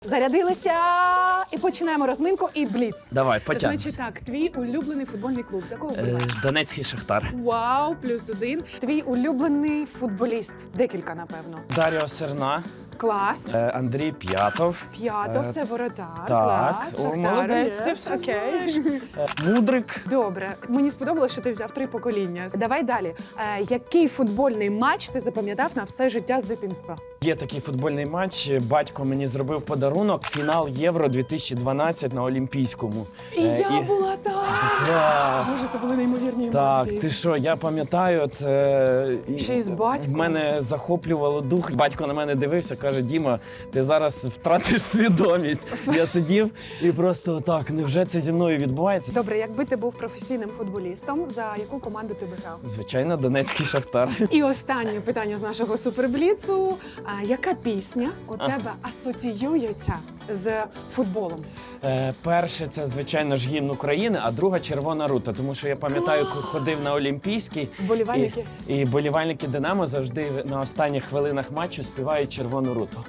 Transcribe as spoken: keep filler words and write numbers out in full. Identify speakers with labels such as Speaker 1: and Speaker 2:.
Speaker 1: Зарядилися і починаємо розминку і бліц.
Speaker 2: Давай, потягнемось.
Speaker 1: Значить так, твій улюблений футбольний клуб. За кого
Speaker 2: Е,
Speaker 1: вболіваєш?
Speaker 2: Донецький Шахтар.
Speaker 1: Вау, плюс один. Твій улюблений футболіст. Декілька, напевно.
Speaker 2: Дар'о Серна,
Speaker 1: Клас.
Speaker 2: е, Андрій П'ятов.
Speaker 1: П'ятов,
Speaker 2: Е,
Speaker 1: це воротар.
Speaker 2: Так,
Speaker 1: Клас.
Speaker 2: о,
Speaker 1: Шахтар,
Speaker 2: молодець,
Speaker 1: є.
Speaker 2: ти все
Speaker 1: Окей.
Speaker 2: знаєш. Е, Мудрик.
Speaker 1: Добре, мені сподобалося, що ти взяв три покоління. Давай далі. Е, який футбольний матч ти запам'ятав на все життя з дитинства?
Speaker 2: Є такий футбольний матч. Батько мені зробив подарунок. Фінал Євро дві тисячі дванадцять на Олімпійському.
Speaker 1: І
Speaker 2: Е,
Speaker 1: я була там!
Speaker 2: Клас!
Speaker 1: Боже, це були неймовірні
Speaker 2: Так,
Speaker 1: емоції.
Speaker 2: ти що, я пам'ятаю, це
Speaker 1: Ще й з батьком.
Speaker 2: в мене захоплювало дух. Батько на мене дивився, каже: Діма, ти зараз втратиш свідомість. Я сидів і просто так, невже це зі мною відбувається?
Speaker 1: Добре, якби ти був професійним футболістом, за яку команду ти би грав?
Speaker 2: Звичайно, Донецький Шахтар.
Speaker 1: І останнє питання з нашого супербліцу. А яка пісня у тебе асоціюється з футболом?
Speaker 2: Е, перше, це, звичайно ж, гімн України, а друга «Червона рута», тому що я пам'ятаю, коли ходив на Олімпійський,
Speaker 1: Вболівальники?
Speaker 2: і, і болівальники «Динамо» завжди на останніх хвилинах матчу співають «Червону руту».